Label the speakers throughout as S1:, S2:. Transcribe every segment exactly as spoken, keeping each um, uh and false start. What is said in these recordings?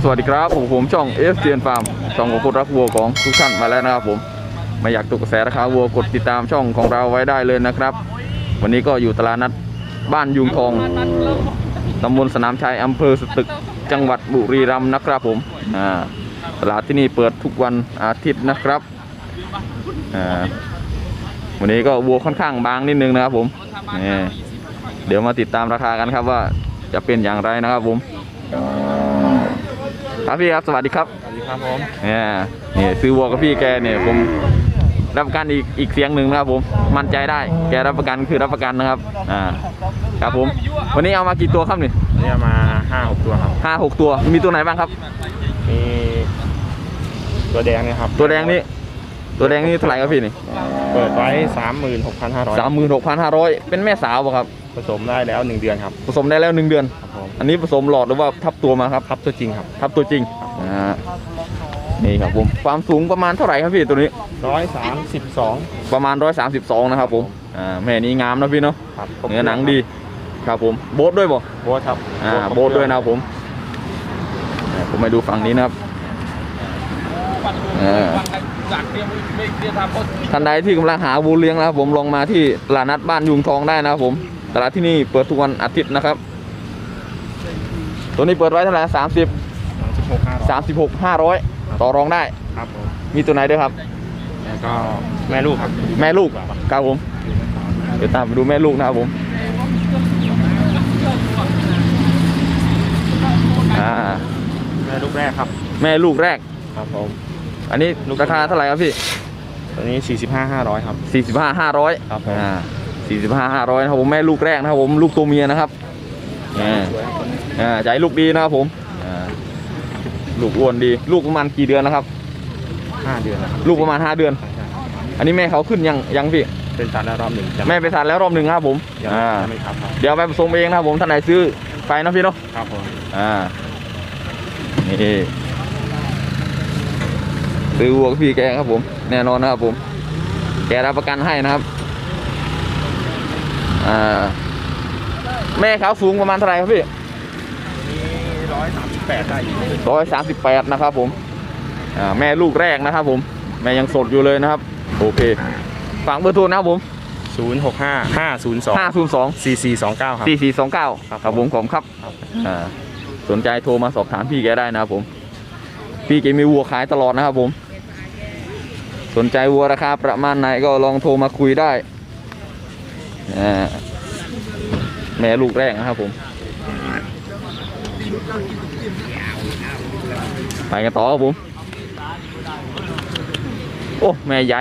S1: สวัสดีครับผมผมช่อง เอฟ ซี เอ็น Farm ช่องของคนรักวัวของทุกท่านมาแล้วนะครับผมไม่อยากตกกระแสราคาวัวกดติดตามช่องของเราไว้ได้เลยนะครับวันนี้ก็อยู่ตลาดนัดบ้านยุงทองตำบลสนามชัยอำเภอสตึกจังหวัดบุรีรัมย์นะครับผมอ่าตลาดที่นี่เปิดทุกวันอาทิตย์นะครับอ่าวันนี้ก็วัวค่อนข้างบางนิดนึงนะครับผมนี่เดี๋ยวมาติดตามราคากันครับว่าจะเป็นอย่างไรนะครับผมครับพี่ครับสวัสดีครับ
S2: สวัสดีครับผม
S1: เนี่ยนี่ซื้อวัวกับพี่แกเนี่ยผมรับประกันอีกอีกเสียงหนึ่งนะครับผมมั่นใจได้แกรับประกันคือรับประกันนะครับอ่าครับผมวันนี้เอามากี่ตัวครับนี่
S2: นี่เอามาห้าหกตัวครับ
S1: ห้าหกตัวมีตัวไหนบ้างครับ
S2: มีตัวแดงนี่ครับ
S1: ตัวแดงนี่ตัวแดงนี่เท่าไหร่ครับพี่นี่
S2: เปิดไว้สามหมื่นหกพันห้าร้อย
S1: สามหมื่นหกพันห้าร้อยเป็นแม่สาวป่ะครับ
S2: ผสมได้แล้วหนึ่งเดือนครับ
S1: ผสมได้แล้วหนึ่งเดือนอันนี้ผสมหลอดหรือว่าทับตัวมาครับ
S2: ทับตัวจริงครับ
S1: ทับตัวจริงอ่านี่ครับผมความสูงประมาณเท่าไหร่ครับพี่ตัวนี้
S2: ร้อยสามสิบสอง
S1: ประมาณร้อยสามสิบสองนะครับผมอ่าแม่นี้งามนะพี่เนาะเนื้อหนังดีครับผมโบ๊ทด้วยบ่
S2: โบ๊ทครับ
S1: อ่าโบ๊ทด้วยนะครับผมผมมาดูฝั่งนี้นะครับท่านใดที่กำลังหาวัวเลี้ยงนะครับผมลองมาที่ตลาดนัดบ้านยุงทองได้นะครับผมตลาดที่นี่เปิดทุกวันอาทิตย์นะครับตัวนี้เปิดไว้เท่าไหร่สามสิบสามสิบหกห้าร้อยต่อรองได้
S2: ครับผม
S1: มีตัวไหนด้วยครับ
S2: แล้วก็แม่ลูกครับ
S1: แม่ลูกครับผมเดี๋ยวตามไปดูแม่ลูกนะครับผมอ่า
S2: แม่ลูกแรกครับ
S1: แม่ลูกแรก
S2: ครับผม
S1: อันนี้ราคาเท่าไหร่ครับพี่
S2: ตัวนี้สี่สิบห้าห้าร้อยครับ
S1: สี่สิบห้าห้าร้อย
S2: ครับผม
S1: อ่าสี่สิบห้าห้าร้อยนะครับผมแม่ลูกแรกนะครับผมลูกตัวเมียนะครับอ่าอ่าใจลูกดีนะครับผมอ่าลูกอ้วนดีลูกประมาณกี่เดือนนะครับ
S2: ห้าเดือน
S1: ลูกประมาณห้าเดือนอันนี้แม่เขาขึ้นยังยังพี่
S2: เป็นสัตว์แล้วรอบหนึ่ง
S1: แม่เป็นสัตว์แล้วรอบหนึ่งครับผม
S2: อ่าไม่ครับ
S1: เดี๋ยวไปผสมเองนะครับผมท่านไหนซื้อไปนะพี่เนาะ
S2: ครับผม
S1: อ่านี่ซื้อวัวพี่แกครับผมแน่นอนนะครับผมแกรับประกันให้นะครับอ่าแม่เขาสูงประมาณเท่าไหร่ครับพี่
S2: ร้อยสามสิบแปดได้
S1: ร้อยสามสิบแปดนะครับผมอ่าแม่ลูกแรกนะครับผมแม่ยังสดอยู่เลยนะครับโอเคฝากเบอร์โทรนะครับผม
S2: ศูนย์หกห้าห้าศูนย์สอง
S1: ห้าศูนย์สอง
S2: สี่สี่สองเก้าครับ
S1: สี่สี่สองเก้าครับผมผมครับอ่าสนใจโทรมาสอบถามพี่แกได้นะครับผมพี่แกมีวัวขายตลอดนะครับผมสนใจวัวราคาประมาณไหนก็ลองโทรมาคุยได้แม่ลูกแรกนะครับผมไปกันต่อครับผมโอ้แม่ใหญ่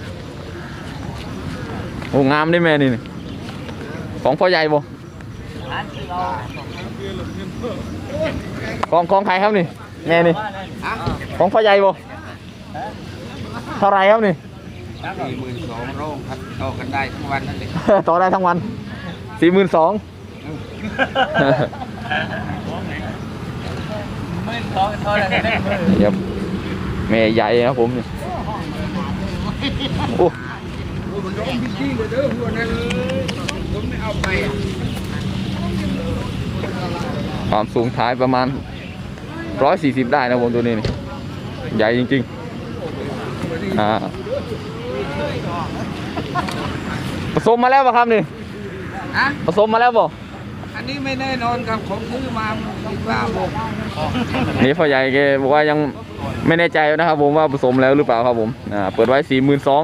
S1: โอ้งามได้แม่นี่ของพ่อใหญ่บ่ของของใครครับนี่แม่นี่ของพ่อใหญ่บ่เท่าไรครับนี่
S3: สี่หมื่นสองโรงครับต่อกันได้ทั้งวันนั่นเอง
S1: ต่อได้ทั้งวันสี่หมื่นสองเดี๋ยวแม่ใหญ่ครับผมโอ้ความสูงท้ายประมาณร้อยสี่สิบได้นะผมตัวนี้นี่ใหญ่จริงๆอ่าผสมมาแล้วป่ะครับนี่ผสมมาแล้วป่ะ
S3: อันนี้ไม่แน่นอนครับผมซื้อมาสิบห้าโมง
S1: นี่พ่อใหญ่แกบอกว่ายังไม่แน่ใจนะครับผมว่าผสมแล้วหรือเปล่าครับผมอ่าเปิดไว้สี่หมื่นสอง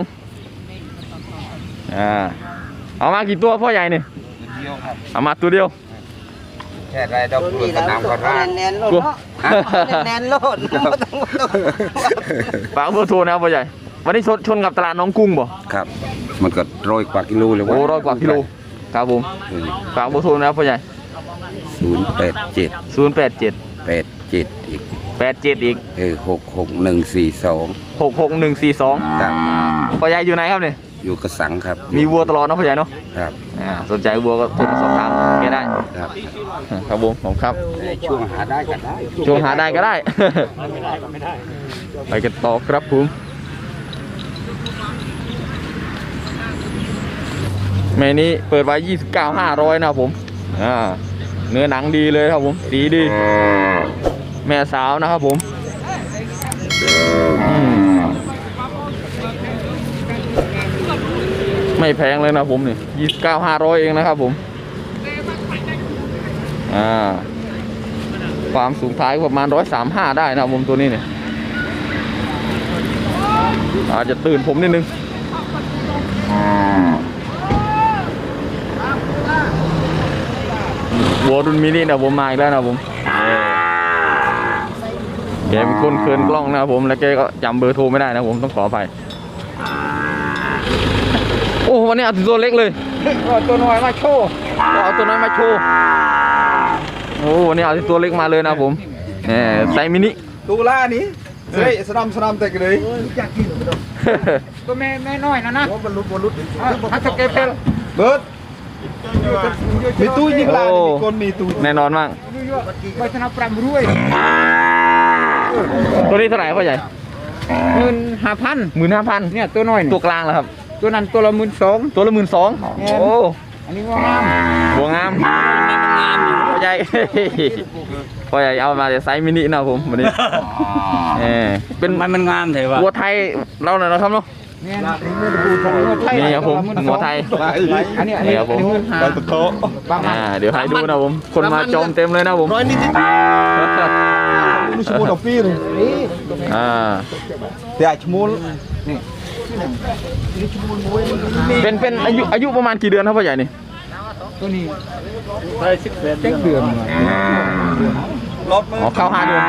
S1: อ่าเอามากี่ตัวพ่อใหญ่เนี่ยเอามาตัวเดียว
S3: แค่ไรดอกกุหลาบน้ำก็ได้
S4: แน่นโลดแน่นโลด
S1: ฝากเบอร์โทรนะพ่อใหญ่วันนี้ชนชนกับตลาดน้องกุ้งบ่
S3: ครับมันก็ร้อยกว่ากิโลเลย
S1: โอ้ร้อยกว่ากิโลครับผมฝากเบอร์โทรนะพ่อใหญ่
S3: ศูนย์แปดเจ็ด
S1: ศูนย์แปดเจ็ด
S3: แปดเจ็ดอีก
S1: แปดเจ็ดอีก
S3: เออหกหกหนึ่งสี่สอง
S1: หกหกหนึ่งสี่สอง
S3: ครับ
S1: พ่อใหญ่อยู่ไหนครับเนี่ย
S3: อยู่กระสังครับ
S1: มีวัวตลอดนะพ่อใหญ่เนาะ
S3: ครับ
S1: อ่าสนใจวัวก็โทรสอบถามแกได้
S3: ครับ
S1: ครับผมผมครับ
S3: ช่วงหาได้ก็ได้
S1: ช่วงหาได้ก็ได้ไม่ได้ก็ไม่ได้ไปกันต่อครับผมแม่นี้เปิดไว้ยี่สิบเก้าห้าร้อยนะครับผมอ่าเนื้อหนังดีเลยครับผมสีดีแม่สาวนะครับผมอืมไม่แพงเลยนะผมนี่ยี่สิบเก้าห้าร้อยเองนะครับผมอ่าความสูงท้ายประมาณร้อยสามห้าได้นะครับผมตัวนี้เนี่ยอาจจะตื่นผมนิดนึงวัวรุ่นมินินะผมมาอีกแล้วนะผมแกเป็นคนเคินกล้องนะครับผมแล้วแกก็จำเบอร์โทรไม่ได้นะผมต้องขออภัยโอ้วันนี้เอาตัวเล็กเลยเอาตัวน้อยมาโชว์เอาตัวน้อยมาโชว์โอ้วันนี้เอาตัวเล็กมาเลยนะผมเนี่ยไซส์มินิ
S3: ตูล่านี้เฮ้ยสนามสนามแต่กันเลยตัวแม่แม่น้อยนะนะบอลลุดบอลลุดฮัตสเกปเปลเบิร์ดมีตู้ยิงลามีคนมีตู้
S1: แน่นอนมาก
S3: ไปชนะปรามรวย
S1: ตัวนี้เท่าไหร่พ่อใหญ่
S3: หมื่นห้าพัน
S1: หมื่นห้าพัน
S3: เนี่ยตัวน้อย
S1: ตัวกลางเหรอครับ
S3: ตัวนั้นตัวละหมื่นสอง
S1: ตัวละหมื่นสองโอ้
S3: อันนี้ว่างาม
S1: หัวงามพ่อใหญ่ พ่อใหญ่เอามาแต่ไซส์มินินะผมวันนี้เออเป็น
S4: มันมันงามเถอะวะ
S1: วัวไทยเราหน่อยนะครับเนาะ
S3: เนี่ยนี่ครับผม
S1: หัวไทย
S3: อันนี้อันนี้หมื่นห้าประมาณ
S1: อ่าเดี๋ยวให้ดูนะผมคนมาจมเต็มเลยนะผม
S3: ร้อยนิดนิดลูกชมูดอกปีเลยนี่
S1: อ่า
S3: แต่ชมูล
S1: เป็นเป็นอายุอายุประมาณกี่เดือนครับพ่อใหญ่นี่
S3: ตัวนี้ได้สิบเจ็ดเดือน
S1: อ๋อเข้าห้าเดือน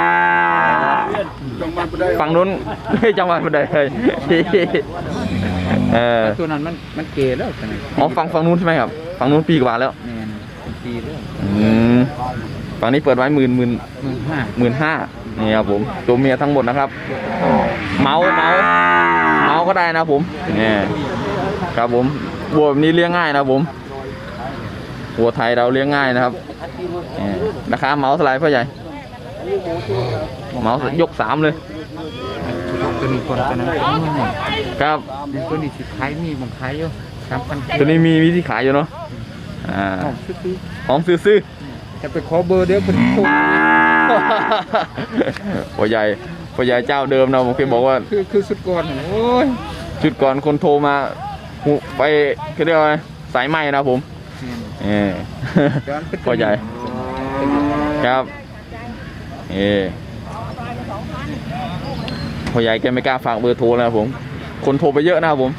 S1: ฝั่งนู้นเฮ้ยจังหวัดบันไดเลยเออ
S3: ตัวนั้นมันมันเกย์แล้วใช่ไหม
S1: อ๋อฝั่งฝั่งนู้นใช่ไหมครับฝั่งนู้นปีกว่าแล้ว
S3: แมนปีแล้ว
S1: อืมฝั่งนี้เปิดไว้หมื่นหมื่น
S3: หมื่นห้า
S1: หมื่นห้านี่ครับผมตัวเมียทั้งหมดนะครับ เมาส์เมาส์เมาส์ก็ได้นะผมนี่ครับผมวัวแบบนี้เลี้ยงง่ายนะผมวัวไทยเราเลี้ยงง่ายนะครับนี่ราคาเมาส์เท่าไหร่พ่อใหญ่เมาส์ยกสามเลย
S3: ตัวนี้คนตัวนั้น
S1: ครับ
S3: ตัวนี้สิขายมีบางขายอยู่สามพัน
S1: ตัวนี้มีวิธีขายอยู่เนาะอ่า
S3: ซื้อ
S1: หอมซื้อ
S3: จะไปขอเบอร์เดี๋ยวคนโทร
S1: ๆพ่อใหญ่พ่อใหญ่เจ้าเดิมนะผมเคยบอกว่า
S3: คือคือสุดก่อนโอ้ย
S1: ชุดก่อนคนโทรมาหูไปเขาเรียกว่าสายไหมนะผมเออพ่อใหญ่ครับเออพ่อใหญ่แกไม่กล้าฝากเบอร์โทรนะครับผมคนโทรไปเยอะนะครับผม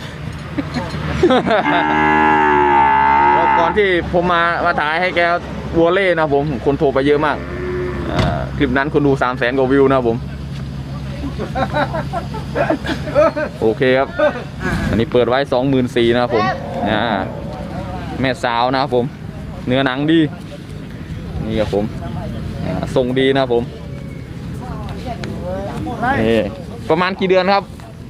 S1: แล้วก่อนที่ผมมามาถ่ายให้แกวัวเล่นะครับผมคนโทรไปเยอะมากอ่าคลิปนั้นคนดูสามแสนกว่าวิวนะครับผม โอเคครับ อันนี้เปิดไว้สองหมื่นสี่นะครับผมอ่าแม่สาวนะครับผมเนื้อหนังดีนี่ครับผมอ่าทรงดีนะครับผมนี่ประมาณกี่เดือนครับ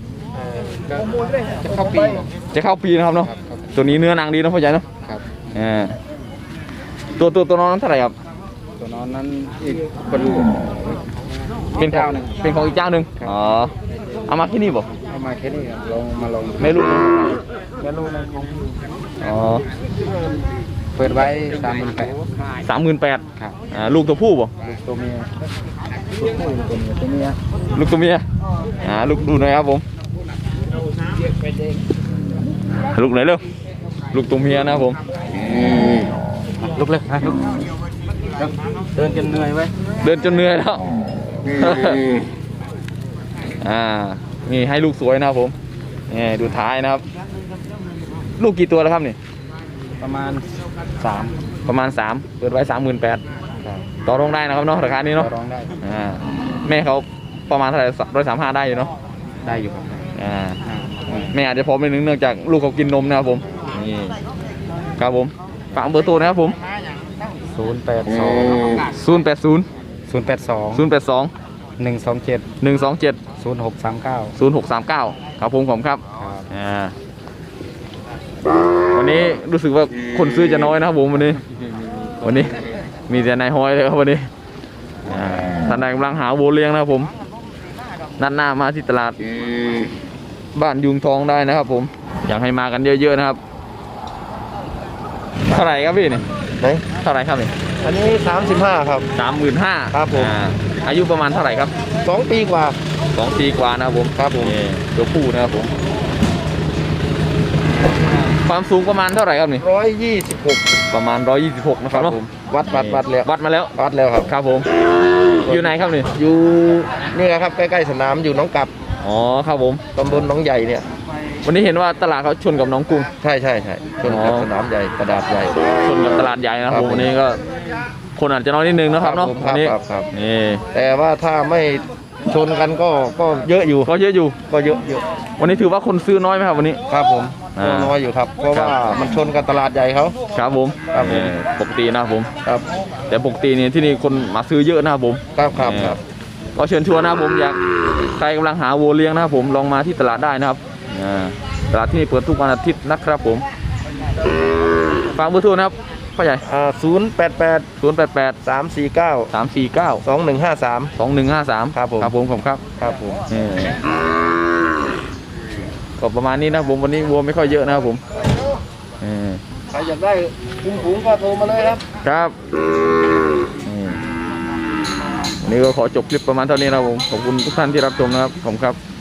S3: จะเข้าปี
S1: จะเข้าปีนะครับเนาะตัวนี้เนื้อหนังดีนะพ่อใหญ่เนาะ
S3: ครับ
S1: อ่าตัวตัวตัวน้องนั้นเท่าไหร่ครับ
S3: ตัวนอนนั้นอีกคนลูก
S1: เป็นของเป็นของอีกเจ้าหนึ่งอ๋อเอามาที่นี่บ่
S3: เอามาแค่นี้ลองมาลอง
S1: ไม่รู้
S3: ไม่รู้นะ
S1: อ๋อ
S3: เปิดไว้สามหมื่นแปด
S1: สามหมื่นแปด
S3: ครับ
S1: อ่าลูกตัวผู้บ่
S3: ลูกตัวเมียลูกผู้ตัวเมียตัวเมีย
S1: ลูกตัวเมียอ่าลูกดูหน่อยครับผมลูกไหนเร็วลูกตัวเมียนะครับผม
S3: ลุกเลยฮะลุกเดินจนเหนื่อยไว้
S1: เดินจนเหนื่อยแล้วอ่านี่ให้ลูกสวยนะครับผมนี่ดูท้ายนะครับ ลูกกี่ตัวแล้วครับนี่
S3: ประมาณสาม
S1: ประมาณสามเปิดไว้สามหมื่นแปดต่อรองได้นะครับเนาะราคานี้เนาะ
S3: ร้องได้
S1: อ่าแม่เขาประมาณเท่าไหร่ร้อยสามห้าได้อยู่เนาะ
S3: ได้อยู่ครับ
S1: อ่าแม่อาจจะพอไม่นึงเนื่องจากลูกเขากินนมนะครับผมนี่ครับผมฝากเบอร์โทรนะครับผม
S3: ศูนย์แปดสอง
S1: ศูนย์แปดศูนย์
S3: ศูนย์แปดสอง
S1: ศูนย์แปดสอง
S3: หนึ่งสองเจ็ด
S1: หนึ่งสองเจ็ด
S3: ศูนย์หกสามเก้า
S1: ศูนย์หกสามเก้าครับผมผมครับอ่าวันนี้รู้สึกว่าคนซื้อจะน้อยนะครับผมวันนี้ วันนี้มีแต่นายห้อยเลยครับวันนี้อ่าท่านใดกำลังหาวัวเลี้ยงนะครับผมนัดหน้ามาที่ตลาดบ้านยุงทองได้นะครับผมอยากให้มากันเยอะๆนะครับเท่าไหร่ครับพี่เนี่ยเท่าไหร่ครับเนี่ย
S3: อันนี้สามสิบห้าครับ
S1: สามหมื่นห้า
S3: ครับผม
S1: อายุประมาณเท่าไหร่ครับ
S3: สองปีกว่า
S1: สองปีกว่านะครับผม
S3: ครับผม
S1: นี่ตัวผู้นะครับผมความสูงประมาณเท่าไหร่ครับนี่
S3: ร้อยยี่สิบหก
S1: ประมาณร้อยยี่สิบหกนะครับเนาะ
S3: วัดวัดวัดแล้ว
S1: วัดมาแล้ว
S3: วัดแล้วครับ
S1: ครับผมอยู่ไหนครับนี่
S3: อยู่นี่ครับใกล้ๆสนามอยู่หน้องกับ
S1: อ๋อครับผม
S3: ตำบลหนองใหญ่เนี่ย
S1: วันนี้เห็นว่าตลาดเขาชนกับหน้องกรุง
S3: ใช่ใช่ใช่ชนกับ
S1: อ๋อ
S3: สนามใหญ่กระดาษใหญ่
S1: ชนกับตลาดใหญ่นะครับ
S3: ครับ
S1: ผมวันนี้ก็คนอาจจะน้อยนิดนึงนะครับเนาะ
S3: ผมค
S1: วั
S3: รับ
S1: นนี้
S3: ครับครับ
S1: นี่
S3: แต่ว่าถ้าไม่ชนกันก็ก็เยอะอยู่
S1: ก็เยอะอยู่
S3: ก็เยอะเยอะ
S1: วันนี้ถือว่าคนซื้อน้อยไหมครับวันนี้
S3: ครับผม
S1: อ่า
S3: ก็น้อยอยู่ครับ เพราะ
S1: ครับ
S3: ว่ามันชนกับตลาดใหญ่เขา
S1: ครับผม
S3: ครับผม
S1: นี่ปกตินะครับผม
S3: ครับ
S1: แต่ปกตินี่ที่นี่คนมาซื้อเยอะนะครับผม
S3: ครับครับครับ
S1: ก็เชิญชวนนะครับผมอยากใครกำลังหาวัวเลี้ยงนะครับผมลองมาที่ตลาดได้นะครับอ่าตลาดที่นี่เปิดทุกวันอาทิตย์นะครับผมฝากเบอร์โทรนะครับพ่อใหญ่
S3: อ่าศูนย์แปดแปด
S1: ศูนย์แปดแปด
S3: สามสี่เก้า
S1: สามสี่เก้า
S3: สองหนึ่งห้าสาม
S1: สองหนึ่งห้าสาม
S3: ครับผม
S1: ครับผมผมครับ
S3: ครับผม
S1: นี่ก็ประมาณนี้นะครับผมวันนี้วัวไม่ค่อยเยอะนะครับผมนี่
S3: ใครอยากได้คุ้มฝูงก็โทรมาเลยครับ
S1: ครับนี่วันนี้ก็ขอจบคลิปประมาณเท่านี้นะครับผมขอบคุณทุกท่านที่รับชมนะครับผมครับ